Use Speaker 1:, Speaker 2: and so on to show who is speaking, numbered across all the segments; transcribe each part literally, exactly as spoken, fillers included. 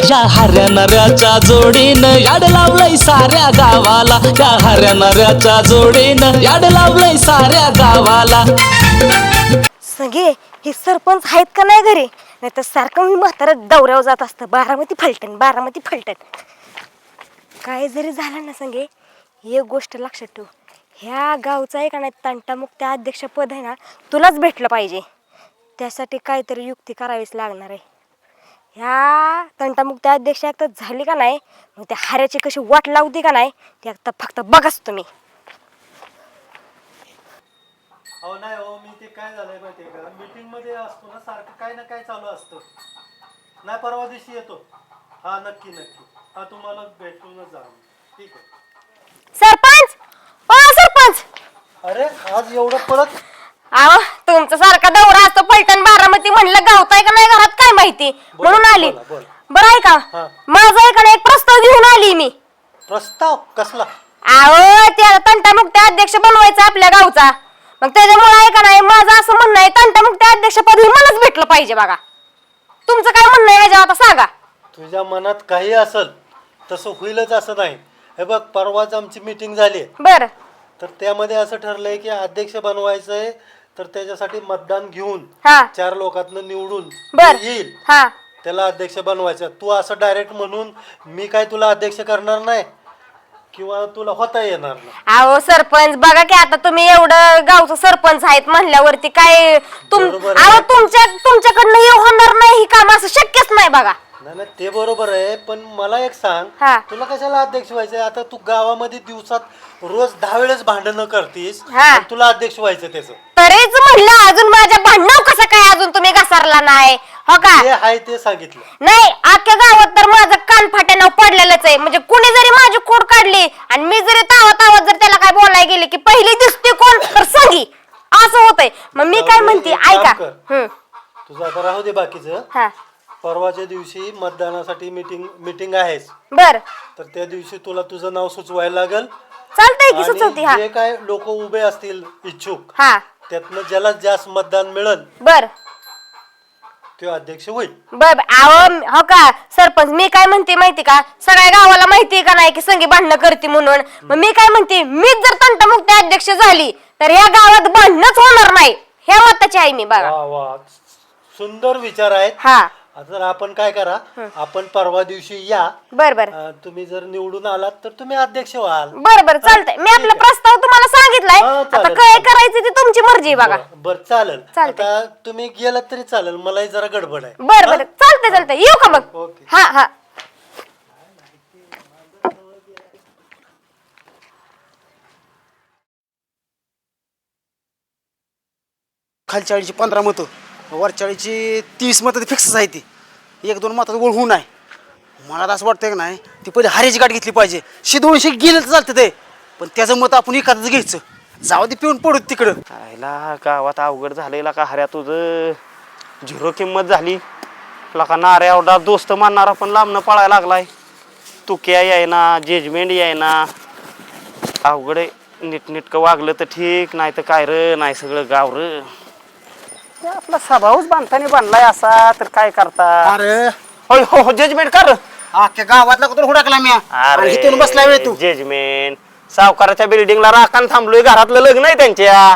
Speaker 1: या हऱ्या नऱ्याच्या जोडीनं याड लावलंय साऱ्या गावाला, या हऱ्या नऱ्याच्या जोडीनं याड लावलंय साऱ्या गावाला.
Speaker 2: सगळे हे सरपंच आहेत का नाही घरी, नाही तर सारखं मी म्हातारा दौऱ्यावर जात असतं. बारामती फलटण बारामती फलटण. काय जरी झालं ना संगे, एक गोष्ट लक्षात ठेव, ह्या गावचा आहे का नाही तंटामुक्त अध्यक्षपद आहे ना तुलाच भेटलं पाहिजे. त्यासाठी काहीतरी युक्ती करावीच लागणार आहे. ह्या तंटामुक्त अध्यक्ष एकदा झाली का नाही, मग त्या हाऱ्याची कशी वाट लावते का नाही ते एकदा फक्त बघाच तुम्ही.
Speaker 3: हो नाही हो, मी ते काय झालंय माहितीये का, मीटिंग मध्ये असतो ना सारखं काय ना काय चालू असतं. नाही परवा दिवशी येतो. हा नक्की नक्की. हा तुम्हाला भेटूनच जा. ठीक आहे.
Speaker 2: सरपंच ओ सरपंच.
Speaker 3: अरे आज एवढं पळत.
Speaker 2: अहो तुमचा सारखा दौरा असतो फलटण बारामती, म्हणलं गावताय का नाही घरात काय माहिती म्हणून आली. बरं आहे का, माझा एखादा एक प्रस्ताव घेऊन आली मी.
Speaker 3: प्रस्ताव कसला?
Speaker 2: अहो त्या तंटामुक्त अध्यक्ष बनवायचा आपल्या गावचा, मग त्याच्यामुळे आहे का नाही माझं असं म्हणणं आहे तंटामुक्त अध्यक्षपद हे मलाच भेटलं पाहिजे. बघा तुमचं काय म्हणणं आहे याच्यावर आता सांगा.
Speaker 3: तुझ्या मनात काही असेल तसं होईलच असं नाही. हे बघ परवाच आमची मीटिंग झाली,
Speaker 2: बर
Speaker 3: तर त्यामध्ये असं ठरलंय की अध्यक्ष बनवायचंय, तर त्याच्यासाठी मतदान घेऊन
Speaker 2: हा
Speaker 3: चार लोकांना निवडून
Speaker 2: बर
Speaker 3: येईल
Speaker 2: हा
Speaker 3: त्याला अध्यक्ष बनवायचं. तू असं डायरेक्ट म्हणून मी काय तुला अध्यक्ष करणार नाही किंवा तुला होता येणार नाही.
Speaker 2: अहो सरपंच बघा की आता तुम्ही एवढं गावचं सरपंच आहेत म्हणल्यावरती काय तुम
Speaker 3: बरोबर आहे.
Speaker 2: अहो तुमच्या तुमच्याकडनं हे होणार नाही, ही काम असं शक्यच नाही. बघा
Speaker 3: नाही नाही ते बरोबर आहे, पण मला एक सांग,
Speaker 2: हा.
Speaker 3: तुला कशाला अध्यक्ष व्हायचंय? आता तू गावामध्ये दिवसात रोज दहा वेळेस भांडणं करतीस,
Speaker 2: हा.
Speaker 3: आणि तुला अध्यक्ष व्हायचं त्याचं.
Speaker 2: तरीच म्हणलं अजून माझ्या भांडणाव कसं काय अजून तुम्ही घसारला नाही हो का?
Speaker 3: जे आहे ते सांगितलं.
Speaker 2: नाही अख्ख्या गावात तर माझं कान फाट्यानं पडलेलंच आहे. म्हणजे कुणी जरी माझी कोड काढली आणि मी जरी तावत तावत जर त्याला काय बोलायला गेले की पहिली दिसते कोण तर सांगी, असं होतंय. मग मी काय म्हणते
Speaker 3: एक काम
Speaker 2: ऐका.
Speaker 3: कर.
Speaker 2: हम्म
Speaker 3: तुझं आता राहू दे बाकीचं.
Speaker 2: हा
Speaker 3: परवाच्या दिवशी मतदानासाठी मीटिंग मीटिंग आहेस,
Speaker 2: बर
Speaker 3: तर त्या दिवशी तुला तुझं नाव सुचवायला लागल.
Speaker 2: चालतंय की सुचवती. हा
Speaker 3: आणि जे काय लोक उभे असतील इच्छुक,
Speaker 2: हा
Speaker 3: त्यातनं ज्याला जास्त मतदान मिळेल
Speaker 2: बर
Speaker 3: तो अध्यक्ष होईल.
Speaker 2: बर आव हो का सरपंच, मी काय म्हणते माहिती का, सगळ्या गावाला माहिती का नाही की संगी भांडणं करते म्हणून. मग मी काय म्हणते, मीच जर तंटामुक्त अध्यक्ष झाली तर या गावात भांडणच होणार नाही, ह्या मताची आहे मी. बघा
Speaker 3: वा वा, सुंदर विचार आहेत.
Speaker 2: हा
Speaker 3: आता आपण काय करा, आपण परवा दिवशी या.
Speaker 2: बर बर
Speaker 3: अं, तुम्ही जर निवडून आलात तर तुम्ही अध्यक्ष व्हाल.
Speaker 2: बर बर चालतंय. मी आपला प्रस्ताव तुम्हाला सांगितलाय,
Speaker 3: हा,
Speaker 2: आता
Speaker 3: चालेल,
Speaker 2: काय
Speaker 3: चालेल.
Speaker 2: करायचं ते तुमची मर्जी. बघा
Speaker 3: बर चालेल.
Speaker 2: चालतंय.
Speaker 3: आता तुम्ही गेलात तरी चालेल, मलाही जरा गडबड आहे.
Speaker 2: बर बर चालतंय चालतंय. येऊ का मग?
Speaker 3: ओके.
Speaker 2: हा हा
Speaker 4: खालच्या आळीची पंधरा मतं, वरच्या आळीची तीस मतं फिक्सच आहे. ती एक दोन मतात ओळ होऊ नाही. मला तर असं वाटतंय की नाही ती पहिले हारीची गाठ घेतली पाहिजे. शे दोनशे गेलं तर चालतं ते, पण त्याचं मत आपण एखादंच घ्यायचं. जाऊ दे पिऊन पडू तिकडं.
Speaker 5: आयला गावात अवघड झालेला का हऱ्या, तुझं झिरो किंमत झाली. लका नाऱ्या एवढा दोस्त मानणारा पण लांबनं पळायला लागलाय. तुक्या यायना, जजमेंट यायना, अवघड आहे. नीटनीटकं वागलं तर ठीक, नाही तर काय र नाही सगळं गाव र. आपला स्वभावच बांधताना बांधलाय असा, तर काय करता.
Speaker 4: अरे
Speaker 5: होय हो हो जजमेंट कर.
Speaker 4: अख्ख्या गावातला कुठं हुडकला मी, आणि इथून बसला वेळ तू.
Speaker 5: जजमेंट सावकाराच्या बिल्डिंगला राखान थांबलोय, घरातलं लग्न आहे त्यांच्या.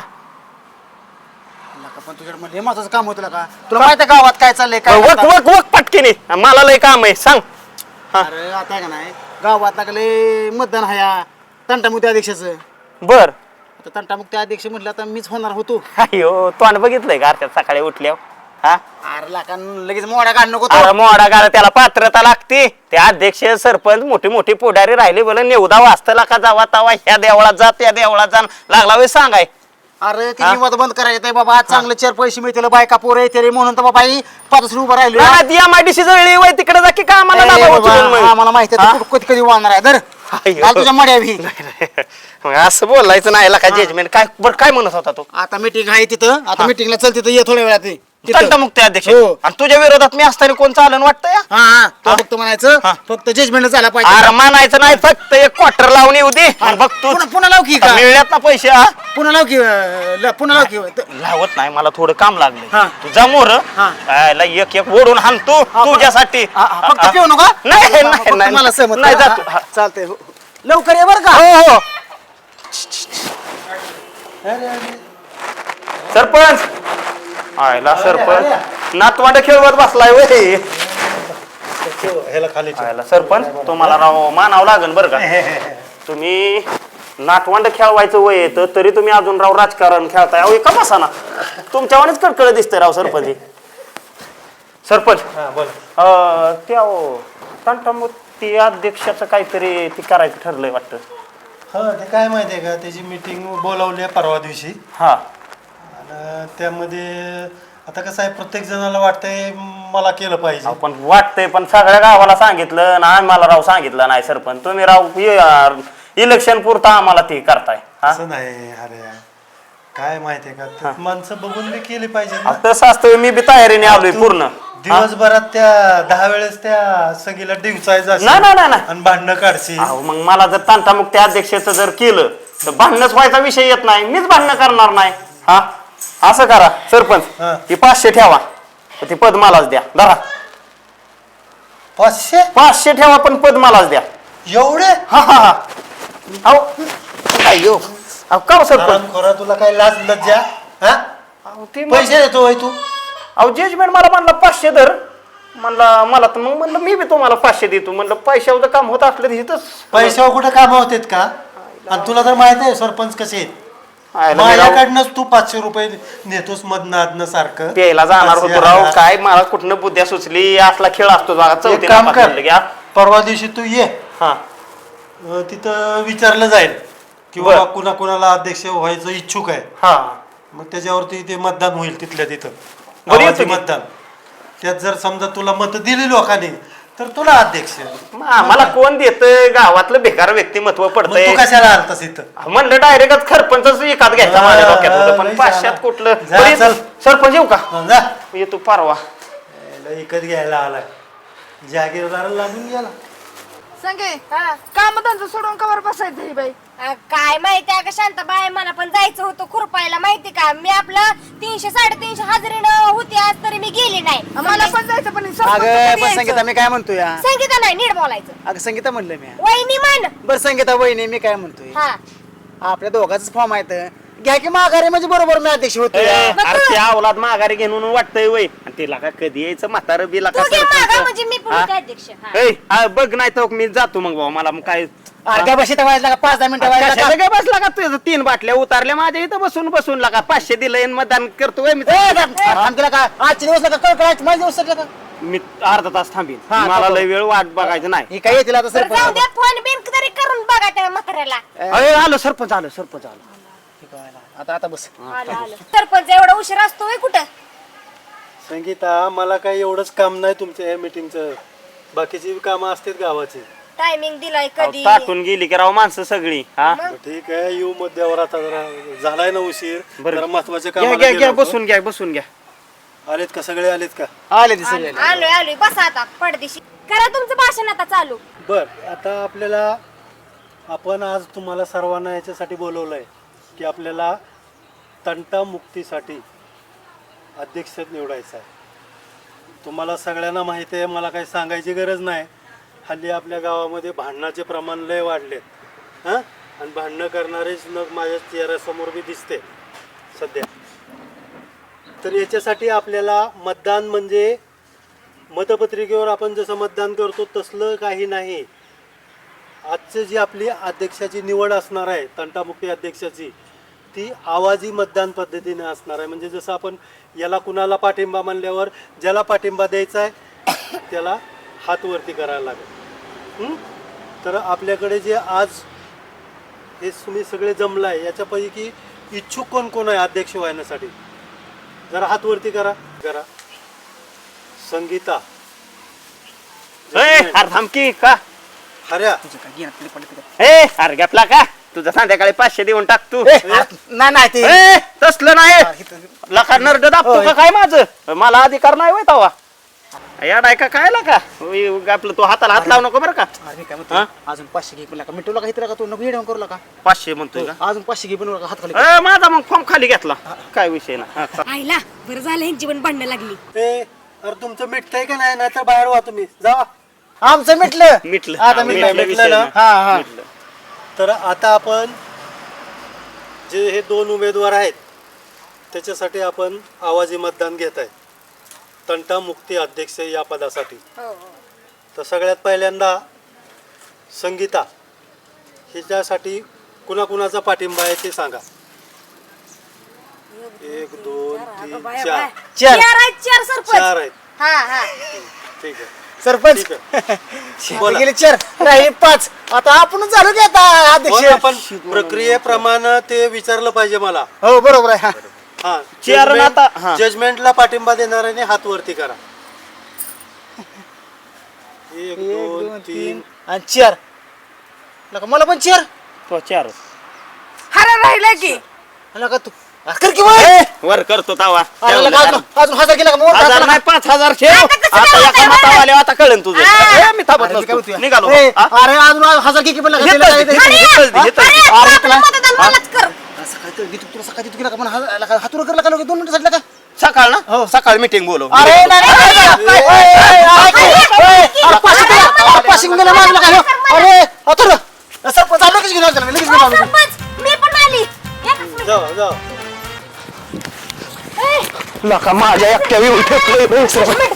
Speaker 4: पण तुझ्याकडे महत्वाचं काम होतं का? तुला माहिती आहे गावात काय चाललंय काय?
Speaker 5: वक वक वक पटकीने, मला लय काम आहे सांग.
Speaker 4: अरे आता का नाही गावात लागले मतदान आहे तंटामुक्त अध्यक्षाचं.
Speaker 5: बर
Speaker 4: आता तंटामुक्त अध्यक्ष म्हटलं आता मीच होणार होतो.
Speaker 5: अयो तोंड बघितलंय का त्यात सकाळी उठल्यावर? हा
Speaker 4: अरे लाका लगेच मोड्या काढ नको.
Speaker 5: अरे मोडा गाडा त्याला पात्रता लागते. ते अध्यक्ष सरपंच मोठी मोठी पुढारी राहिले बोला नेवदा वाचतला का जावा तावा ह्या देवळात जा त्या देवळात जा लागला वे सांगाय.
Speaker 4: अरे ती विवाद बंद करायचं बाबा, चांगले चार पैसे मिळतील, बायका पोरं येते म्हणून तर बाबा पाच उभं राहिलो.
Speaker 5: एमआयडीसी जवळ वय तिकडे जा की कामाला
Speaker 4: मला माहिती आहे कधी कधी वाढणार आहे. धर तुझ्या मड्या भी.
Speaker 5: मग असं बोलायचं नाही का जजमेंट काय बरं काय म्हणत होता तो?
Speaker 4: आता मीटिंग आहे तिथं, आता मीटिंगला चल तिथं ये थोड्या वेळात. तिथं.
Speaker 5: तंटमुक्ती अध्यक्ष
Speaker 4: हो.
Speaker 5: आणि तुझ्या विरोधात मी असताना कोण चालन वाटतंय
Speaker 4: हा हा तो फक्त म्हणायचं
Speaker 5: हा.
Speaker 4: फक्त जजमेंट झाला
Speaker 5: अरे
Speaker 4: पाहिजे
Speaker 5: मानायचं नाही फक्त एक क्वार्टर लावून येऊ दे आणि बघ तू
Speaker 4: पुन्हा पुन्हा लाव की का
Speaker 5: मिळल्यात ना पैसे हा?
Speaker 4: पुन्हा लाव की अं, ल- पुन्हा लाव की त-
Speaker 5: लावत नाही मला थोडं काम लागलं
Speaker 4: हा.
Speaker 5: तुझा मोर
Speaker 4: हा.
Speaker 5: एक एक ओढून हाणतो तुझ्यासाठी
Speaker 4: हा, हा, फक्त पिऊ नका
Speaker 5: नाही
Speaker 4: फक्त
Speaker 5: नाही नाही
Speaker 4: मला सहमत
Speaker 5: नाही
Speaker 4: करा.
Speaker 5: जातो
Speaker 4: हा, चालतंय हो. लवकर ये बरं का
Speaker 5: हो हो
Speaker 3: अरे अरे
Speaker 5: सरपंच आयला सरपंच नातवांड खेळवत बसलाय वय
Speaker 3: ठेव, ह्याला खाली ठेव.
Speaker 5: आयला सरपंच तुम्हाला राव मानावं लागेल बरं का तुम्ही नातवंड खेळवायचं वय येतं तरी तुम्ही अजून राव राजकारण खेळताय अहो एका बसाना तुमच्यावानीच कडकड दिसतंय राव सरपंच हे. सरपंच
Speaker 3: हा बोला
Speaker 5: अं, त्या अहो, तंटामुक्ती अध्यक्षाचं काहीतरी ते करायचं ठरलंय वाटतं
Speaker 3: हा ते काय माहितीये का त्याची मीटिंग बोलावली आहे परवा दिवशी
Speaker 5: हा
Speaker 3: आणि त्यामध्ये आता कसं आहे प्रत्येक जणाला वाटतंय मला केलं पाहिजे
Speaker 5: आपण वाटतंय पण सगळ्या गावाला सांगितलं ना आम्हाला राव सांगितलं नाही सरपंच तुम्ही राव इलेक्शन पुरता आम्हाला ते करताय हा?
Speaker 3: असं नाही अरे काय माहितीये का ते माणसं बघून बी केली पाहिजे ना.
Speaker 5: अहो, तसं असतं मी बी तयारीने आलोय पूर्ण
Speaker 3: दिवसभरात त्या दहा वेळेस त्या सगळीला डिवचायचं
Speaker 5: नाही नाही नाही नाही.
Speaker 3: आणि भांडणं काढशी
Speaker 5: अहो, मग मला जर तंटामुक्ती अध्यक्षाचं जर केलं तर भांडणच व्हायचा विषय येत नाही मीच भांडणं करणार नाही हा असं करा सरपंच
Speaker 3: हा.
Speaker 5: ती पाचशे ठेवा ती पद मलाच द्या धरा
Speaker 3: पाचशे
Speaker 5: पाचशे ठेवा पण पद मलाच द्या
Speaker 3: एवढे
Speaker 5: हा हा हा अहो अयो अहो का हो सरपंच
Speaker 3: खोरा तुला काय लाज लज्जा हा
Speaker 5: अहो, ते मग-
Speaker 3: पैसे देतो होय तू
Speaker 5: अहो जजमेंट मला म्हणला पाचशे धर म्हणला मला तर मग म्हणलं मी बी तुम्हाला पाचशे देतो म्हणलं पैशाचं काम होत असलं तर इथंच
Speaker 3: पैशावर कुठे काम होतात का आणि तुला तर माहित आहे सरपंच कसे आहेत
Speaker 5: आयला मी राव
Speaker 3: माझ्याकडनंच तू पाचशे रुपये नेतोस मधनं आधनं सारखं
Speaker 5: प्यायला जाणार
Speaker 3: पाचशे
Speaker 5: होतो राव
Speaker 3: हजार.
Speaker 5: काय मला कुठनं बुद्ध्या सुचली असला खेळ असतो बघा
Speaker 3: एक
Speaker 5: चौथी
Speaker 3: काम
Speaker 5: नापास
Speaker 3: कर
Speaker 5: झालं की, हा?
Speaker 3: परवा दिवशी तू ये
Speaker 5: हा
Speaker 3: अं, तिथं विचारलं जाईल की
Speaker 5: बर.
Speaker 3: बाबा कुणा कुणाला अध्यक्ष व्हायचं इच्छुक आहे
Speaker 5: हा
Speaker 3: मग त्याच्यावरती ते मतदान होईल तिथल्या तिथं
Speaker 5: बरं, येतो
Speaker 3: आवाजी
Speaker 5: की.
Speaker 3: मतदान त्यात जर समजा तुला मत दिली लोकांनी तर तुला अध्यक्ष
Speaker 5: मग आम्हाला कोण देत गावातलं बेकार व्यक्तिमत्व
Speaker 3: मग
Speaker 5: पडतंय
Speaker 3: तू कशाला आलतास इथं
Speaker 5: म्हणलं डायरेक्ट खरपंच एकात घ्यायचा माझ्या डोक्यात होतं पण
Speaker 3: लय
Speaker 5: पाचशात
Speaker 3: झालं.
Speaker 5: कुठलं
Speaker 3: जा,
Speaker 5: बरं, येतो.
Speaker 3: चल.
Speaker 5: सरपंच येऊ का
Speaker 3: हं, जा
Speaker 5: येतो परवा
Speaker 3: याला विकत घ्यायला आलाय जागीरदाराला लागून गेला
Speaker 6: संगे काम धंदा सोडून कवर बसायचं ही बाई
Speaker 2: अ, काय माहिती अगं शांताबाई मला पण जायचं होतं खुरपायला माहिती का मी आपलं तीनशे साडेतीनशे हजेरीनं होती आज तरी मी गेली नाही
Speaker 6: मला पण जायचं पण सरपंच
Speaker 4: अगं
Speaker 6: कधी
Speaker 4: पण
Speaker 6: यायचं?
Speaker 4: संगीता मी काय म्हणतोय या
Speaker 2: संगीता नाही नीट बोलायचं
Speaker 4: अगं संगीता म्हणलं मी
Speaker 2: वहिनी मान
Speaker 4: बरं संगीता वहिनी मी काय म्हणतोय
Speaker 2: हा
Speaker 4: आपल्या दोघांच फॉर्म आहेत घ्या की माघारी म्हणजे बरोबर मी अध्यक्ष होतो
Speaker 5: ए, अरे त्या अवलाद माघारी घेऊन वाटतंय वय आणि तिला का कधी यायचं म्हातारं बिला
Speaker 2: तू
Speaker 5: का
Speaker 2: घे मागं,
Speaker 5: सरपंच?
Speaker 2: म्हणजे मी पण
Speaker 5: हा?
Speaker 2: होते अध्यक्ष हा.
Speaker 5: ए, हा, बघ नाही तर मी जातो मग भाऊ मला मग काय
Speaker 4: अर्ध्या बशी व्हायला का पाच दहा मिनिटं व्हायला
Speaker 5: कशाला काय बसला का तुझं तीन बाटल्या उतारल्या माझ्या इथं बसून बसून लागा पाचशे दिलंय आणि मतदान करतोय मी
Speaker 4: आम तुला काय आजचे दिवस का कळ करायचं माझ्या दिवस का
Speaker 5: मी अर्धा तास थांबीन
Speaker 4: हा,
Speaker 5: मला
Speaker 4: थांबतो.
Speaker 5: लय वेळ वाट बघायचं नाही
Speaker 4: ही काय येतील आता
Speaker 2: तर जाऊ
Speaker 4: सरपंच
Speaker 2: द्या फोन बिन तरी करून बघा त्या म्हाताऱ्याला
Speaker 5: अरे आलो सरपंच आलो सरपंच आलो
Speaker 4: आता आता बस
Speaker 2: आलं, आलं. सरपंच एवढा उशीर असतो होय कुठं
Speaker 3: संगीता मला काही एवढंच काम नाही तुमच्या या मिटिंगचं बाकीची कामं असतात गावाची
Speaker 2: टायमिंग दिलाय कधी
Speaker 5: ताटून गेली की राव माणसं सगळी हा
Speaker 3: मग ठीक आहे येऊ मध्यावर आता जरा झालाय ना उशीर
Speaker 5: बरं.
Speaker 3: जरा महत्वाचे
Speaker 5: घ्या
Speaker 3: काम
Speaker 5: घ्या घ्या बसून घ्या बसून घ्या
Speaker 3: आलेत का सगळे आलेत का
Speaker 4: आले ते सगळे
Speaker 2: आलोय आलोय बसा आता पडदेशी करा तुमचं भाषण आता चालू
Speaker 3: बर आता आपल्याला आपण आज तुम्हाला सर्वांना याच्यासाठी बोलवलंय की आपल्याला तंटामुक्तीसाठी अध्यक्ष निवडायचा आहे तुम्हाला सगळ्यांना माहिती आहे मला काही सांगायची गरज नाही हल्ली आपल्या गावामध्ये भांडणाचे प्रमाण लय वाढलेत हां आणि भांडणं करणारेच न माझ्या चेहऱ्यासमोर बी दिसते सध्या तर याच्यासाठी आपल्याला मतदान म्हणजे मतपत्रिकेवर आपण जसं मतदान करतो तसलं काही नाही आजची जी आपली अध्यक्षाची निवड असणार आहे तंटामुक्ती अध्यक्षाची ती आवाजी मतदान पद्धतीने असणार आहे म्हणजे जसं आपण याला कुणाला पाठिंबा मानल्यावर ज्याला पाठिंबा द्यायचा आहे त्याला हात वरती करायला लागेल हं? तर आपल्याकडे जे आज हे तुम्ही सगळे जमलं आहे याच्यापैकी इच्छुक कोण कोण आहे अध्यक्ष व्हायण्यासाठी जरा हात वरती करा करा संगीता
Speaker 5: ए, अरे थांबकी का
Speaker 3: हऱ्या
Speaker 5: ए अरे गपला का तुझं संध्याकाळी पाचशे देऊन टाक तू
Speaker 4: ए, नाही नाही ते
Speaker 5: ए, तसलं नाही लका नरड दाबतो का काय माझं मला अधिकार नाही होय तवा याडाय का काय का आपलं तू हाताला हात लावू नको बरं का
Speaker 4: अरे मी काय म्हणतो
Speaker 5: हा?
Speaker 4: अजून पाचशे घे पण का मिटवला का इथं का तू नको येडवण करू का
Speaker 5: पाचशे म्हणतोय का
Speaker 4: अजून पाचशे घे पण हात खाली
Speaker 5: ए, माझा मग फॉर्म खाली घेतला काय विषय ना हा, चा-
Speaker 2: आईला बरं झालं ह्यांची पण भांडणं लागली
Speaker 3: ए अरे तुमचं मिटतंय का नाही नाहीतर बाहेर व्हा तुम्ही जा.
Speaker 4: आमचं मिटलं
Speaker 5: मिटलं
Speaker 4: आता
Speaker 5: हा,
Speaker 4: मिटलं
Speaker 5: मिटलं
Speaker 3: मिटलं
Speaker 5: विषय
Speaker 3: ना?
Speaker 5: ना.
Speaker 4: हा हा
Speaker 5: मिटलं.
Speaker 3: तर आता आपण जे हे दोन उमेदवार आहेत त्याच्यासाठी आपण आवाजी मतदान घेत आहे तंटा मुक्ती अध्यक्ष या पदासाठी. तर सगळ्यात पहिल्यांदा संगीता हिच्यासाठी कुणाकुणाचा पाठिंबा आहे ते सांगा. एक दोन तीन चार
Speaker 4: चार
Speaker 2: चार आहेत चार सरपंच
Speaker 3: चार आहेत.
Speaker 2: हा हा
Speaker 3: ठीक आहे
Speaker 4: सरपंच
Speaker 3: ठीक आहे.
Speaker 4: शेती गेले चार राहिले पाच आता आपण झालो की आता
Speaker 3: हो
Speaker 4: अध्यक्ष
Speaker 3: ना, पण प्रक्रियेप्रमाणे ते विचारलं पाहिजे मला.
Speaker 4: हो बरोबर आहे हा.
Speaker 3: हा
Speaker 5: चेअर
Speaker 3: जजमेंट-
Speaker 5: आता- हा.
Speaker 3: जजमेंटला पाठिंबा देणाऱ्याने हात वरती करा. एक
Speaker 4: एक
Speaker 3: दोन
Speaker 4: दोन
Speaker 3: तीन
Speaker 4: तीन आणि चार लका मला पण चार
Speaker 5: तो चार
Speaker 6: हरा राहिला की
Speaker 4: लका तू आ, कर की वय.
Speaker 5: वर करतो तावा
Speaker 4: अरे लका अजून अजून हजार गेला का मग वर
Speaker 5: हजार
Speaker 4: टाका
Speaker 5: नाही पाच हजार ठेव आता एका मतावाले आता कळन तुझं ए, मी थांबत
Speaker 4: अरे, मी काय
Speaker 5: नसतो
Speaker 4: म्हणतोय?
Speaker 5: निघालो
Speaker 4: ए,
Speaker 5: हा?
Speaker 4: अरे अजून हजार की पण लका
Speaker 5: घेतलं
Speaker 4: दिलं
Speaker 5: ते,
Speaker 4: काय ते?
Speaker 5: घेतलं, घेतलं, घेतलं.
Speaker 4: अरे तुला
Speaker 2: मतदान मलाच कर
Speaker 4: असं काय तर देतो तुला सकाळी देतो की लका पण हा- लका हातवर कर लका लका दोन मिनिटं का
Speaker 5: सकाळ ना सकाळ मीटिंग बोलव
Speaker 4: अरे नाही, नाही, नाही, नाही, नाही, ए, ए, ऐक, ए, अरे, पाचशे दिला, अरे, पाचशे घेऊन गेला मागं लका, ह्यो. अरे अथर्व, सरपंच आलं लगेच घेऊन आलो त्याला, लगेच घेऊन आलो.
Speaker 2: सरपंच मी पण आली एकच मिनिट.
Speaker 3: जाऊ जाऊ
Speaker 5: लका माझ्या एकट्या येऊन ठेवलंय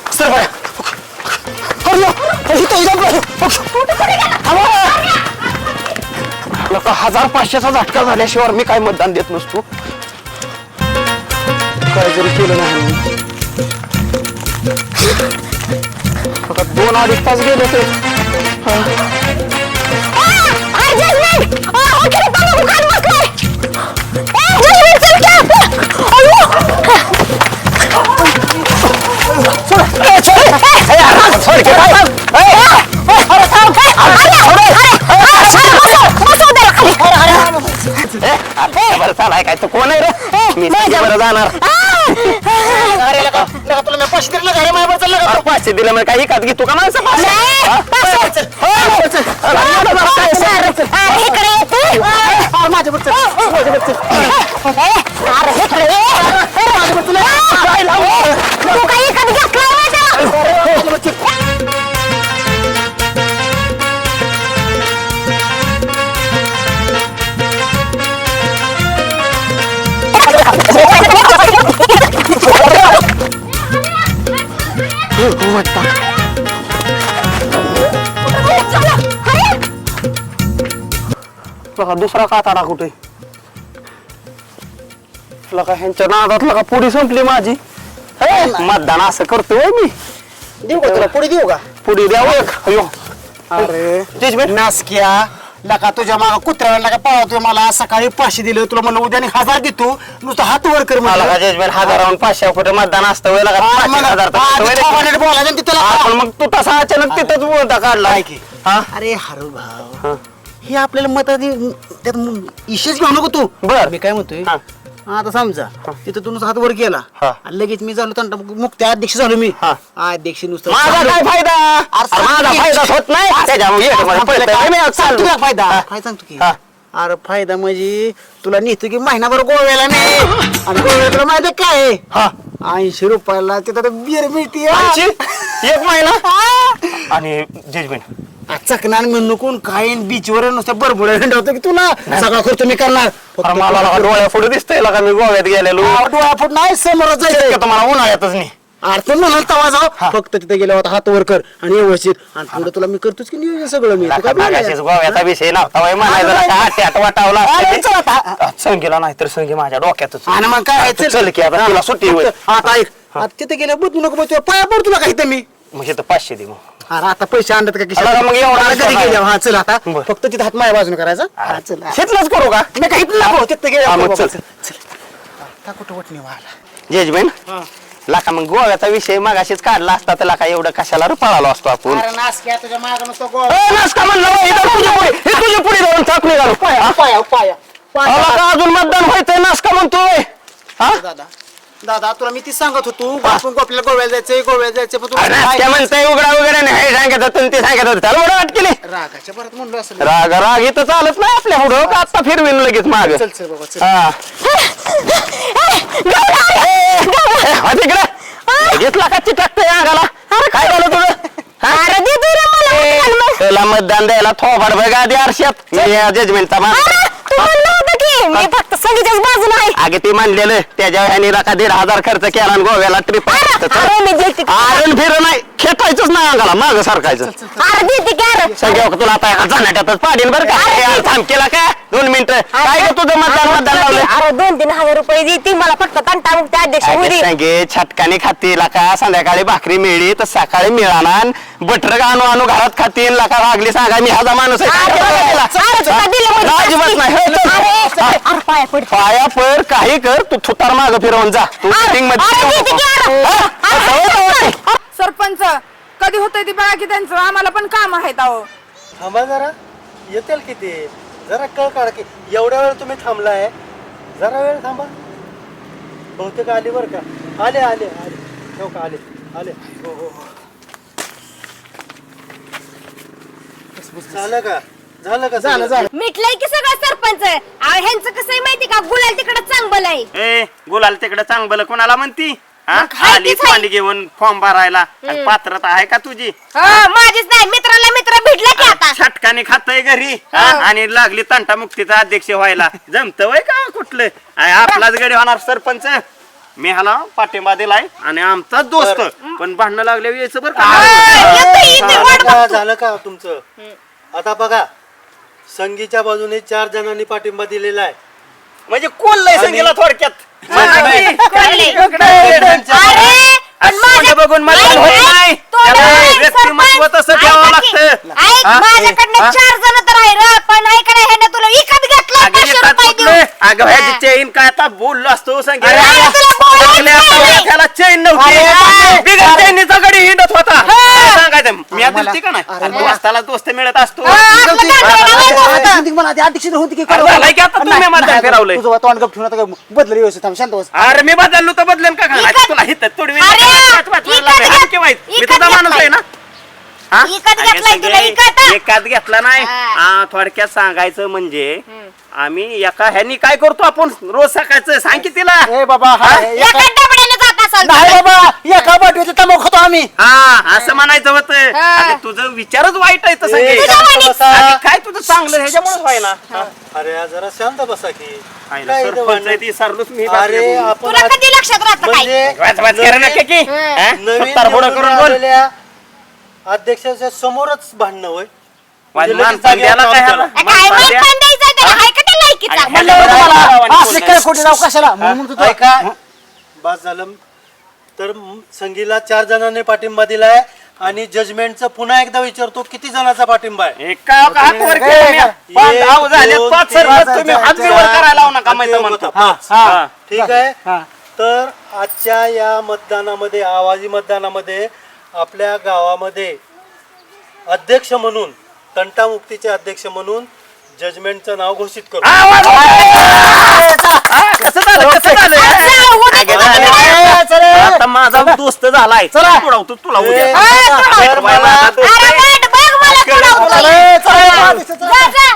Speaker 5: लका हजार पाचशेचा झटका झाल्याशिवाय मी काय मतदान देत नसतो काय जरी केलं नाही मी. लका दोन अडीच तास गेले ते बरं चालाय काय तो कोण आहे रे मी बरं जाणार
Speaker 4: अरे लका, लका, तुला मी पाचशे दिले लका, अरे माझ्यावर चाललं का?
Speaker 5: अरे पाचशे दिलं म्हणजे काही एकाच घेतो का माणसं पाचशे? हा?
Speaker 4: चल, चल.
Speaker 5: हो, चल. अरे, एवढं जरा काय सांग?
Speaker 4: अरे, माझ्यावर चल, माझ्यावर चल.
Speaker 5: काय लावू? लका दुसरा काताडा कुठे लका ह्यांच्या नादात लका पुढी संपली माझी हे, मतदान असं करतोय मी
Speaker 4: देऊ का तुला पुढे देऊ का
Speaker 5: पुढी द्यावं एक अयो
Speaker 4: अरे
Speaker 5: जजमेंट
Speaker 4: नासक्या लका तुझ्या मागा कुत्र्याला लका पळवतोय मला सकाळी पाचशे दिलं तुला म्हणलं उद्या आणि हजार देतो नुसतं हात वर कर
Speaker 5: मला
Speaker 4: म्हणलं.
Speaker 5: का जजमेंट हजारावून पाचशे कुठे मतदान असतं वय लका
Speaker 4: हा,
Speaker 5: पाचशे
Speaker 4: मला-
Speaker 5: हजार तर
Speaker 4: हा,
Speaker 5: असतं वय
Speaker 4: ते
Speaker 5: रे.
Speaker 4: थोबाडीने बोलायचं आणि ते तुला-
Speaker 5: हा, पण मग तू तसा अचानक तिथंच बोलता काढला
Speaker 4: काय की?
Speaker 5: हा
Speaker 4: अरे हरव भाव हे आपल्याला मत त्यात इशेच घेऊ नको तू
Speaker 5: बर.
Speaker 4: मी काय म्हणतोय
Speaker 5: हा.
Speaker 4: आता समजा तिथं तू नुसतं हात वर केला
Speaker 5: हा.
Speaker 4: आणि लगेच मी झालो तंटा मुक्त अध्यक्ष झालो मी
Speaker 5: हा.
Speaker 4: अध्यक्ष नुसतं
Speaker 5: माझा काय फायदा
Speaker 4: अरे
Speaker 5: अरे माझा
Speaker 4: सांग की-
Speaker 5: फायदा होत नाही त्याच्यामुळे ये, मला
Speaker 4: आपल्याला
Speaker 5: पळतंय.
Speaker 4: काय-
Speaker 5: मी आज
Speaker 4: सांग
Speaker 5: चाललो.
Speaker 4: तुला फायदा
Speaker 5: हा.
Speaker 4: काय सांगतो की
Speaker 5: हा.
Speaker 4: अरे फायदा म्हणजे तुला नेतो की महिनाभर गोव्याला नाही आणि गोव्याला तुला माहिती आहे काय
Speaker 5: हा.
Speaker 4: ऐंशी रुपयाला तिथं बिअर मिळते
Speaker 5: ऐंशी? एक महिना आणि जजमेंट
Speaker 4: चकणार म्हणून कोण काय बीचवर नुसतं बरबुड्या हिंडवतो की तुला सगळा खर्च मी करणार फक्त
Speaker 5: मला लगा डोळ्या पुढे दिसतंय लगा मी गोव्यात गेलेलो
Speaker 4: डोळा फुट नाही समोर जायचं
Speaker 5: का तुम्हाला उन्हाळ्यातच नाही
Speaker 4: अर्थ म्हणाल तवा जाऊ फक्त तिथे गेल्यावर आता हात वर कर आणि व्यवस्थित आणि पुढे तुला मी करतोच की नियोजन सगळं मी तू काय
Speaker 5: मागाशीच
Speaker 4: बोलायला?
Speaker 5: गोव्याचा विषय नव्हता वय म्हणायचं
Speaker 4: हा,
Speaker 5: लका हात हात वाटावला
Speaker 4: अरे, चल आता.
Speaker 5: संगीला नाही तर संगी माझ्या डोक्यातच
Speaker 4: आणि मग काय
Speaker 5: तू चल की आता तुला सुट्टी होईल
Speaker 4: आता ऐक आता तिथे गेल्या बदलू नको बसू पाया पड तुला काही मी
Speaker 5: मग तर पाचशे दे मग
Speaker 4: अरे आता पैसे आणतात का खिशात?
Speaker 5: अरे, मग एवढा
Speaker 4: अरे, घरी
Speaker 5: नाही.
Speaker 4: गेल्यावर हा चल आता
Speaker 5: बरं.
Speaker 4: फक्त तिथे हात माझ्या बाजूने करायचा हा, चल हा.
Speaker 5: शेतलाच करू का
Speaker 4: मी काही नको तिथे
Speaker 5: हा,
Speaker 4: गेल्या
Speaker 5: मग चल.
Speaker 4: आता कुठं वटणी व्हायला
Speaker 5: जजमेंट लाका मग गोव्याचा विषय मगाशीच काढला असता तर लाका एवढं कशाला रे पळालो असतो आपण
Speaker 4: अरे नास क्या तुझ्या मागं नुसतं गोळ
Speaker 5: ए, नासका म्हणलं बा, इथं तुझ्या पुढे हे तुझ्या पुढे जाऊन चाप निघालो
Speaker 4: पाया पाया पाया
Speaker 5: अहो, का अजून मतदान व्हायचंय नासका म्हणतोय हा
Speaker 4: दादा दादा तुला मी ती सांगत होतो आपण आपल्याला गोव्याला जायचंय गोव्याला जायचंय पण
Speaker 5: अरे,
Speaker 4: तुला
Speaker 5: नासक्या म्हणतोय उघडा वगैरे नाही हे सांगत होतं ते सांगत होतं त्याला एवढं वाट केली
Speaker 4: रागाच्या परत म्हणलो असं
Speaker 5: राग राग इथं चालत नाही आपल्या पुढं का आता फिरवीन लगेच माग
Speaker 4: चल चल बाबा चल
Speaker 5: हा तिकडे घेतला का चिटकतंय अंगाला अरे काय झालं तुझं
Speaker 2: अरे दे दे रे मला मतदान मग.
Speaker 5: त्याला मतदान द्यायला थोबाड बघा आधी आरशात जजमेंटचा मान
Speaker 2: अरे, तू म्हणलं होतं की मी फक्त संगीताच बाजूला आहे.
Speaker 5: अगे ते मानलेलं त्याच्या ह्यानी राखा दीड हजार खर्च केला आणि गोव्याला ट्रिप
Speaker 2: अरे मी देते की.
Speaker 5: आरण फिर नाही खेटायचंच नाही अंगाला माग सारखायचं
Speaker 2: अरे देते की अरे.
Speaker 5: सगळ्या तुला आता जाण्याच्यातच पाडीन बरं का यार, थांब केला का दोन मिनिटं काय ग तुझं मतदान मतदान लावलं
Speaker 2: अरे दोन तीन हजार रुपये देते मला फक्त तंटा मुक्त अध्यक्ष होऊ दे.
Speaker 5: सांगे छटकाने खातील का संध्याकाळी भाकरी मिळली तर सकाळी मिळाणार बटर आणू आणू घरात खातील लाका लागली सांगा मी ह्याचा माणूस आहे
Speaker 2: अरे, अरे, तुला दिलं म्हणजे
Speaker 5: अजिबात नाही हे, चल.
Speaker 2: अरे,
Speaker 5: हा.
Speaker 2: अरे पाया पड.
Speaker 5: पाया पर काही कर तू थुतार माग फिरवून जा तू
Speaker 2: अरे,
Speaker 5: meeting मध्ये
Speaker 2: अरे,
Speaker 5: येऊ
Speaker 2: देते
Speaker 5: नको.
Speaker 2: की अरे.
Speaker 5: हा?
Speaker 2: अरे,
Speaker 5: जाऊ दे, जाऊ दे.
Speaker 6: सरपंच कधी होतंय ती बघा की त्यांचं आम्हाला पण काम आहेत अहो
Speaker 3: थांबा जरा येतील की ते जरा कळ काढा की एवढ्या वेळ तुम्ही थांबलाय जरा वेळ थांबा बहुतेक आले बरं का आले आले आले हो का आले आले हो हो हो झालं का झालं का
Speaker 4: झालं
Speaker 3: सगळं?
Speaker 4: झालं
Speaker 2: मिटलंय की सगळं सरपंच अहो, ह्यांचं कसं आहे माहिती का गुलाल तिकडे चांगलं आहे
Speaker 5: ए गुलाल तिकडे चांगलं कोणाला म्हणती हा?
Speaker 2: मग हाय
Speaker 5: आली
Speaker 2: तीच हाय.
Speaker 5: पाणी घेऊन फॉर्म भरायला आणि पात्रता आहे का तुझी
Speaker 2: हा, माझीच नाही मित्राला मित्र भेटला की आता
Speaker 5: छटकाने खातय घरी हा? आणि लागली तंटा मुक्तीचा अध्यक्ष व्हायला जमत वय का कुठलं आहे आपलाच गडी होणार सरपंच मी ह्याला पाठिंबा दिलाय आणि आमचाच दोस्त पण भांडणं लागल्या यायचं बरं
Speaker 2: हा,
Speaker 5: का
Speaker 2: येतोय, येतोय,
Speaker 3: झालं
Speaker 2: वाट
Speaker 3: का
Speaker 2: बघतो.
Speaker 3: झालं का तुमचं आता बघा संगीच्या बाजूने चार जणांनी पाठिंबा दिलेला आहे
Speaker 5: म्हणजे कोण लय संगीला थोडक्यात
Speaker 2: कोणले?
Speaker 3: त्यांच्या-
Speaker 2: अरे, पण
Speaker 5: असं
Speaker 2: माझ्या-
Speaker 5: बघून मतदान होत
Speaker 2: ऐक,
Speaker 5: नाही.
Speaker 2: ऐक, तोंड
Speaker 5: त्याला
Speaker 2: ऐक,
Speaker 5: व्यक्तिमत्व
Speaker 2: सरपंच.
Speaker 5: तसं ठेवावं
Speaker 2: ऐका की.
Speaker 5: लागतं.
Speaker 2: ऐक,
Speaker 5: हा?
Speaker 2: माझ्याकडनं
Speaker 5: हा?
Speaker 2: चार जण तर आहे रे, पण ऐक ना, ह्यानं तुला विकत घेतलं
Speaker 5: अगं
Speaker 2: पाचशे
Speaker 5: एकाच
Speaker 2: रुपये
Speaker 5: कुठलं?
Speaker 2: देऊन.
Speaker 5: अगं ह्याची चैन काय आता बोललो असतो संगीत
Speaker 2: अरे, अरे, तुला बोलायचं
Speaker 5: आपल्या आता
Speaker 2: नाही.
Speaker 5: त्याला चैन नव्हती
Speaker 2: अरे,
Speaker 5: बिगर चैनीचा गडी हिंडत होता काय सांगायचं मी आता दिसते का नाही अरे दोस्ताला दोस्त मिळत असतो
Speaker 2: हा, आपलं गांडवलं लावायचं होतं.
Speaker 4: अध्यक्ष मला आधी अध्यक्ष होती की
Speaker 5: अरे झालंय की आता तुम्ही मतदान फिरवलंय.
Speaker 4: तुझं तोंड गप ठेवून आता बदल व्यवस्थित थांब शांत बस
Speaker 5: अरे मी बदललो तर बदलेन का काय
Speaker 2: इकत-
Speaker 5: तुला हित तोडवी
Speaker 2: अरे, इकत घेत-
Speaker 5: मी
Speaker 2: इकत
Speaker 5: तुझा माणूस
Speaker 2: घेतलाय.
Speaker 5: आहे ना हा?
Speaker 2: इकत
Speaker 5: अगं
Speaker 2: घेतलाय
Speaker 5: सगळे
Speaker 2: तुला, इकत.
Speaker 5: एकात घेतला नाही
Speaker 2: हा.
Speaker 5: हा, थोडक्यात सांगायचं म्हणजे आम्ही एका ह्यानी काय करतो आपण रोज सकाळचं सांग की तिला
Speaker 4: ए बाबा हा,
Speaker 5: हा?
Speaker 4: एका-
Speaker 2: एका डबड्यानं जात असाल
Speaker 4: नाही
Speaker 2: तुम्ही.
Speaker 4: बाबा एका बाटवीचं तंबाखू खातो आम्ही
Speaker 5: हा असं म्हणायचं होतं
Speaker 2: हा.
Speaker 5: अगं, तुझं विचारच वाईट आहे तसं
Speaker 3: ए,
Speaker 5: की.
Speaker 3: शांत बसा.
Speaker 5: अगं, काय तुझं चांगलं ह्याच्यामुळेच व्हायना
Speaker 3: अरे या जरा शांत बसा की
Speaker 5: आईला
Speaker 3: काय इथं
Speaker 5: सरपंच
Speaker 3: भांडण?
Speaker 5: आहे ती सरलोच मी
Speaker 3: अरे आपण
Speaker 2: तुला
Speaker 3: आज-
Speaker 2: कधी लक्षात राहतं काय
Speaker 3: म्हणजे
Speaker 5: वाच वाच करा नका की
Speaker 2: हं.
Speaker 5: हा?
Speaker 3: नवीन
Speaker 5: सत्तार पुढं
Speaker 3: निवडून
Speaker 5: करून बोल
Speaker 3: आलेल्या अध्यक्षाच्या समोरच भांडणं होय
Speaker 5: वाज
Speaker 3: म्हणजे लगेच
Speaker 5: मानपान
Speaker 3: जागेवर
Speaker 5: द्यायला काय
Speaker 3: काम
Speaker 5: ह्याला?
Speaker 3: करा.
Speaker 2: काय
Speaker 5: मानपान
Speaker 2: मग
Speaker 5: द्या.
Speaker 2: पण द्यायचं त्याला हाय का त्या लायकीचा
Speaker 5: आणि
Speaker 4: म्हणलं
Speaker 5: ह्याला
Speaker 4: होतं
Speaker 5: लावा
Speaker 4: मला
Speaker 5: आणि
Speaker 4: असं
Speaker 5: बोल
Speaker 4: काय खोटी राव कशाला म्हणून म्हणतो तुला.
Speaker 3: ऐका बस झालं तर म- संगीला चार जणांनी पाठिंबा दिलाय आणि जजमेंटचं पुन्हा एकदा विचारतो किती जणांचा पाठिंबा आहे
Speaker 5: एका हात वर केलं मी. पाच
Speaker 3: एक,
Speaker 5: धाव झाले,
Speaker 3: दोन,
Speaker 5: पाच
Speaker 3: तीन,
Speaker 5: सरपंच
Speaker 3: चार,
Speaker 5: तुम्ही
Speaker 3: चार,
Speaker 5: हात बी वर
Speaker 3: चार,
Speaker 5: करायला लावू नका
Speaker 3: आणि
Speaker 5: माहिती
Speaker 3: ते
Speaker 5: म्हणतो
Speaker 3: होतं.
Speaker 4: हा, हा.
Speaker 5: हा.
Speaker 3: ठीक आहे
Speaker 4: हा.
Speaker 3: तर आजच्या या मतदानामध्ये आवाजी मतदानामध्ये आपल्या गावामध्ये अध्यक्ष म्हणून तंटामुक्तीचे अध्यक्ष म्हणून जजमेंटचं नाव घोषित करू
Speaker 5: आवाज हा, कसं झालं कसं झालं अगं, झालं. आता माझा दोस्त झालाय
Speaker 4: चला.
Speaker 5: तुला तू तुला
Speaker 3: ए,
Speaker 5: उद्या
Speaker 3: तर मला
Speaker 5: माझा दोस्त
Speaker 2: अरे
Speaker 5: आहे.
Speaker 2: वाट बघ मला
Speaker 5: केलं
Speaker 2: कोणावर
Speaker 5: तुला.
Speaker 2: बोलायचं.
Speaker 4: चला, चला.
Speaker 2: जा, जा.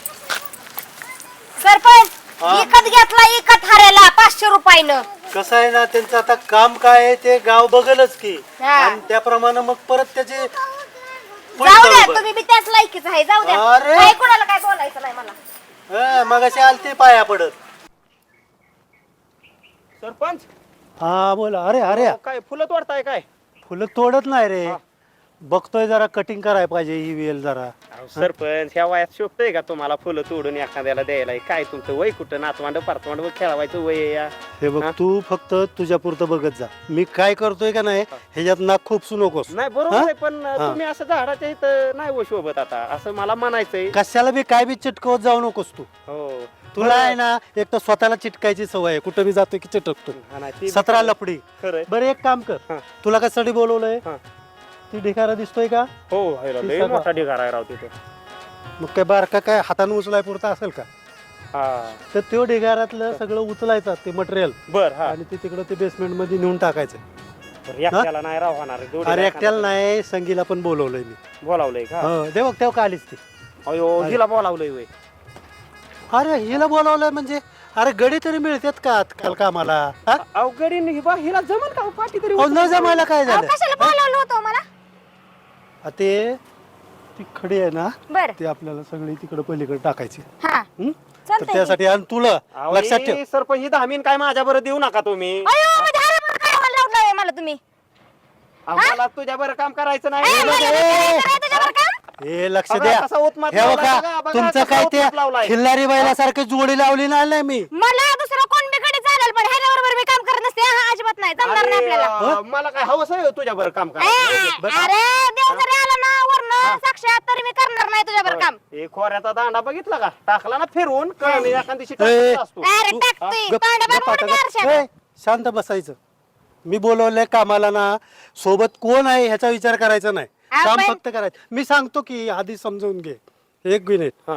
Speaker 2: सरपंच
Speaker 3: हा?
Speaker 2: इकत घेतला इकत हारायला पाचशे रुपयानं
Speaker 3: कसं आहे ना त्यांचं आता काम काय आहे ते गाव बघलच की
Speaker 2: हा.
Speaker 3: आणि त्याप्रमाणे मग परत त्याचे होईल
Speaker 2: जाऊ द्या
Speaker 3: बरोबर.
Speaker 2: तुम्ही बी त्याच लायकीच आहे जाऊ द्या
Speaker 3: अरे.
Speaker 2: काय कोणाला काय बोलायचं नाही मला
Speaker 3: हा, मगाशी आलते पाया पडत
Speaker 5: सरपंच
Speaker 3: हा बोला अरे अरे
Speaker 5: काय फुलं तोडताय काय
Speaker 3: फुलं तोडत नाही रे बघतोय जरा कटिंग करायला पाहिजे ही वेल जरा
Speaker 5: अहो, सरपंच ह्या वयात शोभतंय का तुम्हाला फुलं तोडून एखाद्याला द्यायला काय तुमचं वय कुठं नातवांड परतवांड खेळवायचं वय आहे या
Speaker 3: हे बघ
Speaker 5: हा?
Speaker 3: तू फक्त तुझ्या पुरतं बघत जा मी काय करतोय का नाही ह्याच्यात नाक खूप नकोस
Speaker 5: नाही बरोबर
Speaker 3: हा?
Speaker 5: आहे पण
Speaker 3: हा.
Speaker 5: तुम्ही असं झाडाच्या इथं नाही हो शोभत आता असं मला म्हणायचंय
Speaker 3: कशाला बी काय बी चिटकवत जाऊ नकोस तू
Speaker 5: हो
Speaker 3: तुला आहे ना एक तर स्वतःला चिटकायची सवय आहे, कुठं बी जातोय की
Speaker 5: हा नाही,
Speaker 3: चिटकतो
Speaker 5: ते
Speaker 3: सतरा
Speaker 5: बरोबर.
Speaker 3: लपडी.
Speaker 5: खरंय.
Speaker 3: बरं एक काम कर,
Speaker 5: हा.
Speaker 3: तुला कशासाठी बोलवलंय?
Speaker 5: हा.
Speaker 3: ती ढिगारा दिसतोय का?
Speaker 5: हो हाय राव,
Speaker 3: ती
Speaker 5: लय
Speaker 3: सगळं-
Speaker 5: मोठा ढिगारा आहे राव तिथे.
Speaker 3: मग काय बारका काय हाताने उचलाय पुरता असेल का?
Speaker 5: हा
Speaker 3: तर त्यो ढिगाऱ्यातलं सगळं उचलायचं ते मटेरियल
Speaker 5: बर हा
Speaker 3: आणि ते तिकडं ते बेसमेंट मध्ये नेऊन टाकायचं.
Speaker 5: बरं, एकट्याला नाही राव होणार दोन्ही
Speaker 3: अरे
Speaker 5: बायकांना
Speaker 3: एकट्याला नाही, संगीला पण बोलवलंय मी.
Speaker 5: बोलावलंय का?
Speaker 3: हो दे बघ तेव्हा का आलीच ती.
Speaker 5: अयो हिला बोलावलंय वय.
Speaker 3: अरे हिला बोलावलंय म्हणजे अरे गडी तरी मिळतात का आजकाल कामाला? हा?
Speaker 5: अवघडी नाही बा, हिला जमल का पाठी तरी
Speaker 3: अहो, न जमायला काय
Speaker 2: अहो,
Speaker 3: झालं?
Speaker 2: कशाला बोलावलं होतं मला?
Speaker 3: आ, ते ती खडी आहे ना,
Speaker 2: बर
Speaker 3: ते आपल्याला सगळी तिकडे पलीकडे टाकायची.
Speaker 2: हा
Speaker 3: हं? तर
Speaker 2: चालतंय
Speaker 3: त्यासाठी आणि तुला
Speaker 5: अहो,
Speaker 3: लक्षात ठेव.
Speaker 5: ही सरपंच ही धामीन काय माझ्या बरं देऊ नका तुम्ही.
Speaker 2: अयो म्हणजे हराभरा काय व्हायला लावलंय मला तुम्ही?
Speaker 5: आम्हाला तुझ्या बरं काम करायचं
Speaker 2: ए,
Speaker 5: नाही.
Speaker 2: मला
Speaker 3: ए,
Speaker 2: नाही करायचं तुझ्यावर काम?
Speaker 3: हे लक्ष
Speaker 5: बघा,
Speaker 3: द्या.
Speaker 5: कसा उत्मात
Speaker 3: हे
Speaker 5: लावलाय
Speaker 3: बघा,
Speaker 5: बघा, बघा,
Speaker 3: तुमचं
Speaker 5: कसा
Speaker 3: काय ते
Speaker 5: उत्मात लावलाय.
Speaker 3: खिल्लारी बैलासारखी जोडी लावली नाही ना मी.
Speaker 2: मला दुसरं कोण बी कडे चालेल पण ह्याच्याबरोबर मी काम करत नसते. हा अजिबात नाही, जमणार नाही
Speaker 5: अरे,
Speaker 2: आपल्याला.
Speaker 5: अं, मला काय हवंच आहे तुझ्या बरं काम
Speaker 2: ए,
Speaker 5: करायचं.
Speaker 2: अरे देव जरी आला ना वरनं साक्षात तरी मी करणार नाही तुझ्यावर काम.
Speaker 5: हे खोऱ्याचा दांडा बघितला का? टाकला ना फिरवून कळणी एखाद दिवशी
Speaker 3: ए,
Speaker 5: टाकत असतो.
Speaker 2: अरे टाकतोय
Speaker 3: गप-
Speaker 2: तांडा
Speaker 3: गप
Speaker 2: बाबा
Speaker 3: आता गप.
Speaker 2: आरशात.
Speaker 3: ए, शांत बसायचं. मी बोलवलंय कामाला ना, सोबत कोण आहे ह्याचा विचार करायचा नाही, काम
Speaker 2: आपण-
Speaker 3: फक्त करायचं. मी सांगतो की आधी समजून घे. एक मिनिट,
Speaker 5: हा.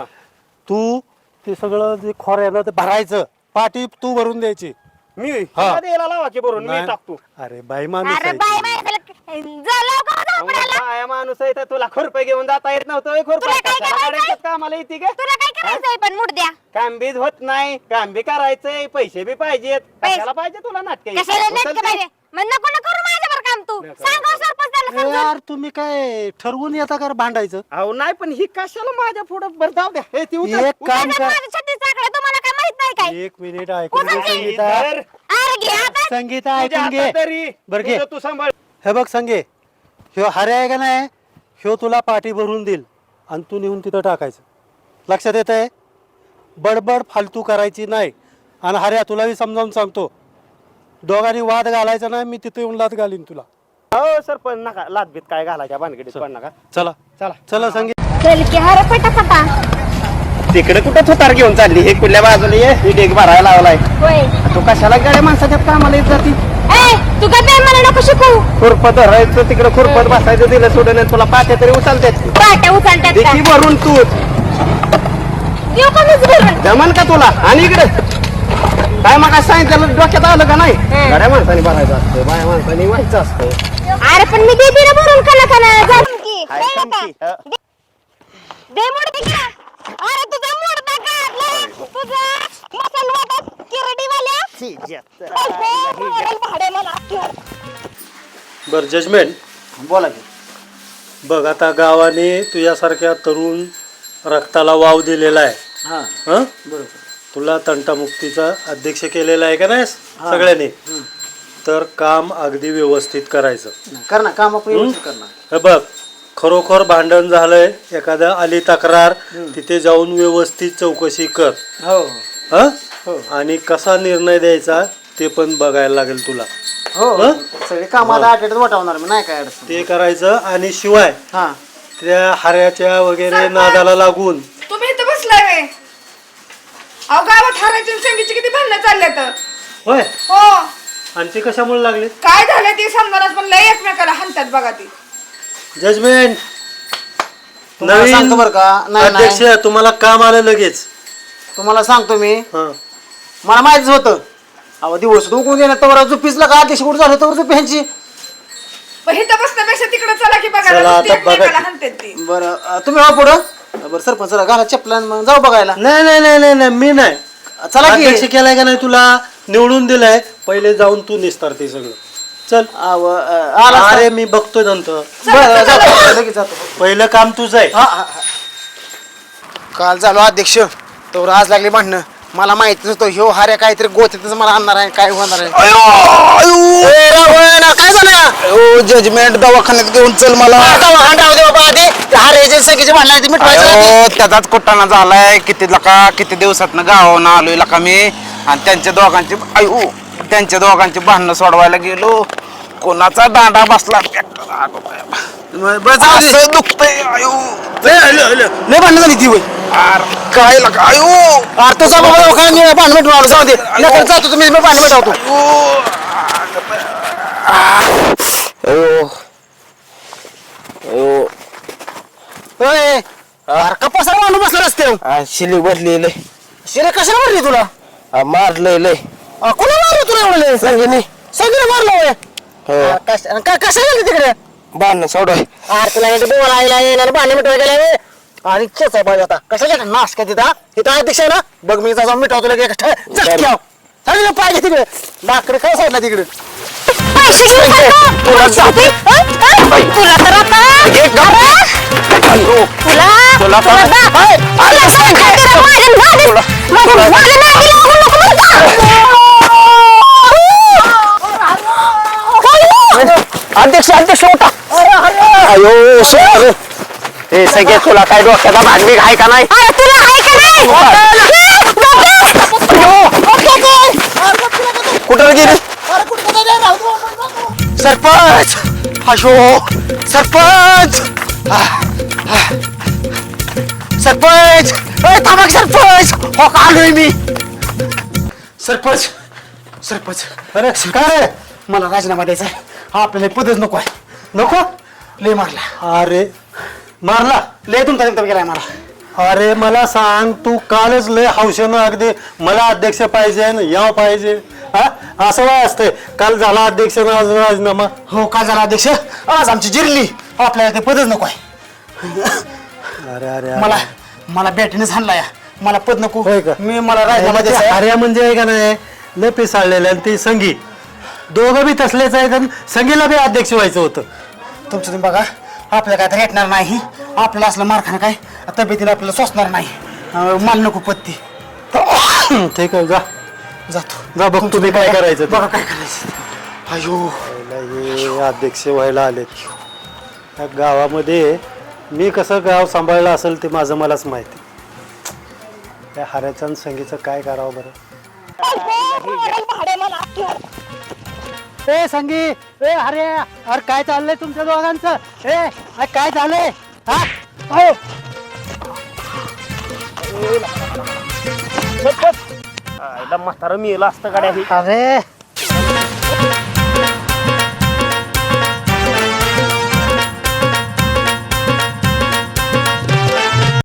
Speaker 3: तू ते सगळं जे खोऱ्यानं ते भरायचं, पाठी तू भरून द्यायची.
Speaker 5: मी
Speaker 3: हा.
Speaker 5: हिला द्यायला लावा की भरून मी
Speaker 3: नाही.
Speaker 5: टाकतो.
Speaker 3: अरे बाई माणूस
Speaker 2: अरे
Speaker 3: आहे
Speaker 2: बाय
Speaker 3: ती.
Speaker 2: बाय त्याला झालं का जाऊ पडायला?
Speaker 5: काय माणूस आहे तर तुला खुरपे घेऊन जाता येत नव्हतं खुरपे
Speaker 2: तुला काय करायचंय?
Speaker 5: कामाला येते का?
Speaker 2: तुला काय करायचंय पण मुड द्या.
Speaker 5: काम बीज होत नाही, काम बी करायचंय, पैसे बी पाहिजेत.
Speaker 2: पैसे-
Speaker 5: कशाला पाहिजे तुला नाटक
Speaker 2: कशाला नेटकं पाहिजे? मग नको ना करू माझ्यावर काम तू. सांगा सरपंच त्याला
Speaker 3: ए,
Speaker 2: समजून.
Speaker 3: यार तुम्ही काय ठरवून येता का रे भांडायचं?
Speaker 5: अहो नाही पण ही कशाला माझ्या पुढं बरं जाऊ द्या. हे ती उचल,
Speaker 3: एक काम
Speaker 2: त्याच्यात
Speaker 3: कर,
Speaker 2: माझी छत्तीस चाकडे तुम्हाला काय माहित नाही काय?
Speaker 3: एक मिनिट ऐकून घे
Speaker 2: कोणाची?
Speaker 3: संगीता.
Speaker 5: धर.
Speaker 2: अरे घे आता.
Speaker 3: संगीता
Speaker 5: तुझ्या
Speaker 3: ऐकून
Speaker 5: हातात
Speaker 3: घे.
Speaker 5: तरी.
Speaker 3: बरं घे.
Speaker 5: तुझं तू सांभाळ.
Speaker 3: हे बघ संगे, ह्यो हऱ्या आहे का नाही, ह्यो तुला पाठी भरून देईल आणि तू नेऊन तिथं टाकायचं. लक्षात येत आहे? बडबड फालतू करायची नाही. आणि हऱ्या तुला मी समजावून सांगतो, दोघांनी वाद घालायचा नाही, मी तिथे येऊन लाद घालीन तुला.
Speaker 5: हो सर पण नका लादबीत काय घालायच्या भानगडीत पण नका.
Speaker 3: चला
Speaker 5: चला
Speaker 3: चला संगे.
Speaker 2: चल की हरे पटापटा.
Speaker 5: तिकडे कुठं थोतार घेऊन चालली? हे कुठल्या बाजूला ये, ही डेग भरायला लावलाय.
Speaker 2: होय.
Speaker 5: तू कशाला गाड्या माणसाच्या कामाला येत जाती?
Speaker 2: ए तू काय बाई मला नको शिकू.
Speaker 5: खुरपत धरायचं तिकडे खुरपत बसायचं दिलं सोडून आणि तुला पाट्या तरी उचलतात.
Speaker 2: पाट्या उचलतात का?
Speaker 5: देखी भरून तू
Speaker 2: देऊ का मीच भरून?
Speaker 5: जमन का तुला? आणि इकडे काय मग सांगितलं डोक्यात आलं का नाही? गाड्या माणसाने भरायचं असतं, बाया माणसाने व्हायचं असतं.
Speaker 2: अरे पण मी देते ना भरून कना कना जाऊन की.
Speaker 5: हाय,
Speaker 2: नाही
Speaker 5: समकी,
Speaker 2: नका.
Speaker 5: हा.
Speaker 2: दे- दे मुडदी का? अरे तुझा मुडदा काढलाय. तुझा मसाल वाटत किरडीवाल्या. भाडे मला.
Speaker 3: बरं जजमेंट
Speaker 4: बोला की.
Speaker 3: बघ, आता गावाने तुझ्यासारख्या तरुण रक्ताला वाव दिलेला आहे.
Speaker 4: हा
Speaker 3: हं?
Speaker 4: बरोबर.
Speaker 3: तुला तंटामुक्तीचा अध्यक्ष केलेला आहे का नाही सगळ्यांनी? तर काम अगदी व्यवस्थित करायचं.
Speaker 4: कर ना काम आपण व्यवस्थित करणार.
Speaker 3: हे बघ, खरोखर भांडण झालंय, एखादा आली तक्रार, तिथे जाऊन व्यवस्थित चौकशी कर.
Speaker 4: हो
Speaker 3: हं? आणि कसा निर्णय द्यायचा ते पण बघायला लागेल तुला.
Speaker 4: हो
Speaker 3: हं?
Speaker 4: सगळे काम आता आठवड्यात वाटावणार मी, नाही काय अडचण.
Speaker 3: ते करायचं. आणि शिवाय
Speaker 4: हा
Speaker 3: त्या हाऱ्याच्या वगैरे नादाला लागून
Speaker 6: तुम्ही इथं बसलाय वे. अहो गावात हारायची आणि संगीची किती भांडणं चालले तर.
Speaker 3: होय.
Speaker 6: हो
Speaker 3: आणि ते कशामुळे लागले?
Speaker 6: काय झालं ते समजायला पण लय एकमेकाला हाणतात बघा ती.
Speaker 3: जजमेंट
Speaker 4: तुम्हाला सांगतो बरं का. नाही
Speaker 3: अध्यक्ष,
Speaker 4: नाही
Speaker 3: तुम्हाला काम आलं लगेच.
Speaker 4: तुम्हाला सांगतो मी,
Speaker 3: हं.
Speaker 4: मला माहितीच होतं. अहो दिवस उकळून गेला तर झुपीसला का अध्यक्ष कुठं झालं तर झुपी ह्यांची.
Speaker 6: पण इथं बसण्यापेक्षा तिकडे चला की
Speaker 3: चला,
Speaker 6: बघायला
Speaker 3: आता
Speaker 6: नुसती एकमेकाला
Speaker 3: बघा.
Speaker 6: हाणतात ती.
Speaker 4: बरं अं, तुम्ही हो पुढं. बरं सरपंच चला घाला चपला मग जाऊ बघायला.
Speaker 3: नाही नाही नाही नाही नाही, मी नाही.
Speaker 4: चला
Speaker 3: अध्यक्ष
Speaker 4: की.
Speaker 3: केलाय का नाही तुला? निवडून दिलाय, पहिले जाऊन तू निस्तार ते सगळं. चल.
Speaker 4: अहो, अं, आला असता.
Speaker 3: अरे मी बघतोय नंतर.
Speaker 4: बरं जातो लगेच जातो.
Speaker 3: पहिलं काम तुझं आहे.
Speaker 4: हा हा हा. काल झालो अध्यक्ष, तर आज लागली भांडणं. मला माहिती नसतं ह्यो हार्या काहीतरी गोत्यातच मला आणणार आहे, काय होणार आहे. ए, रावण, काय झालं? जजमेंट दवाखान्यात घेऊन चल मला. दवाखान्यात राहू दे बाबा आधी. त्या हार्याच्या सगळीची भांडणं आहे ती मिटवायची आधी.
Speaker 7: त्याचाच कुटाणा झालाय. किती लका किती दिवसात गावावरून आलोय लका मी, आणि त्यांच्या दोघांची आयु त्यांच्या दोघांची भांडणं सोडवायला गेलो. कोणाचा दांडा बसला
Speaker 4: बरं, जाऊ दे.
Speaker 7: असं दुखतंय आयु.
Speaker 4: लय भांडणं झाली ती होय.
Speaker 7: अरे काय लका आयो
Speaker 4: अरे तुझा बाबा काय मी भांडण मिटून आलो जाऊ दे नका जातो तुम्ही मी भांडण मिटवतो
Speaker 7: अयो अयो
Speaker 4: होय अरे कपासाला माणूस बसला रस्त्यावर
Speaker 7: शिली भरलेलं
Speaker 4: शिरे कशाला मारली तुला
Speaker 7: मारलंय लय
Speaker 4: अ, कोणा मारलं तुला एवढं
Speaker 7: संगीने
Speaker 4: सगळं मारलं होय
Speaker 7: हो
Speaker 4: कशा का- कशाला गेली तिकडे
Speaker 7: बांधणं सोडवाय
Speaker 4: अरे तुला इथे बोला आईला येणार भांडण मिटवाय गेला रे आणि खेच आहे पाहिजे आता कशाला नाश काय तिथं इथं अध्यक्ष आहे ना बघ मी जाऊन मिटवतो लगे चालेल पाहिजे तिकडे लाकडे काय साईडला तिकडे
Speaker 2: पैसे घेऊन जातो. पैसे. हं? हं? तुला तर आता अरे, तुला
Speaker 7: तुला
Speaker 2: तुला
Speaker 7: काय?
Speaker 2: दा-
Speaker 7: हाय.
Speaker 2: तुला सांगते तुला माझ्या नादी- माझ्या- माझ्या नादी लागू नको बरं का?
Speaker 5: अध्यक्ष अध्यक्ष होता अयो सर हे सगळे तुला काय डोक्याचा भांडी आहे का नाही
Speaker 2: अरे, तुला आहे का नाही?
Speaker 5: कुठं गेली
Speaker 4: सरपंच अशो सरपंच सरपंच ए, थांबा की सरपंच हो का आलोय मी सरपंच सरपंच अरे काय रे मला राजीनामा द्यायचा आहे आपल्याला पदच नको आहे नको लय मारला
Speaker 3: अरे मारला
Speaker 4: लय तुमचा तुमचा गेलाय मला
Speaker 3: अरे मला सांग तू कालच लय हौशेनं अगदी मला अध्यक्ष पाहिजे न याव पाहिजे हा असं काय असतंय काल झाला अध्यक्ष न आज राजीनामा
Speaker 4: हो काय झाला अध्यक्ष आज आमची जिरली आपल्याला ते पदच नको आहे
Speaker 3: अरे अरे
Speaker 4: मला मला बॅटीनेच हाणला या मला पद नको
Speaker 3: होय का?
Speaker 4: मी मला राजीनामा
Speaker 3: ते
Speaker 4: द्यायचा आहे.
Speaker 3: आर्या म्हणजे आहे का नाही लय पिसाळलेलं आणि ते संगी दोघं बी तसलेच आहेत आणि संगीला बी अध्यक्ष व्हायचं होतं
Speaker 4: तुमचं तुम्ही बघा आपल्याला काय तर भेटणार नाही आपल्याला असलं मारखाना काय तब्येतीला आपल्याला सोसणार नाही अं, माल नको पत्ती
Speaker 3: ठीक आहे जा
Speaker 4: जातो
Speaker 3: जा बघ तुम्ही काय करायचं ते.
Speaker 4: बघा काय करायचं अयो
Speaker 3: हे अध्यक्ष व्हायला आलेत या गावामध्ये मी कसं गाव सांभाळलं असेल ते माझं मलाच माहिती त्या हाऱ्याचं आणि संगीचं काय करावं बरं ए संगी ए अरे अरे काय चाललंय तुमच्या दोघांचं ए अरे काय झालंय हा हो
Speaker 5: म्हातारं मेलं असतं गाड्या
Speaker 3: अरे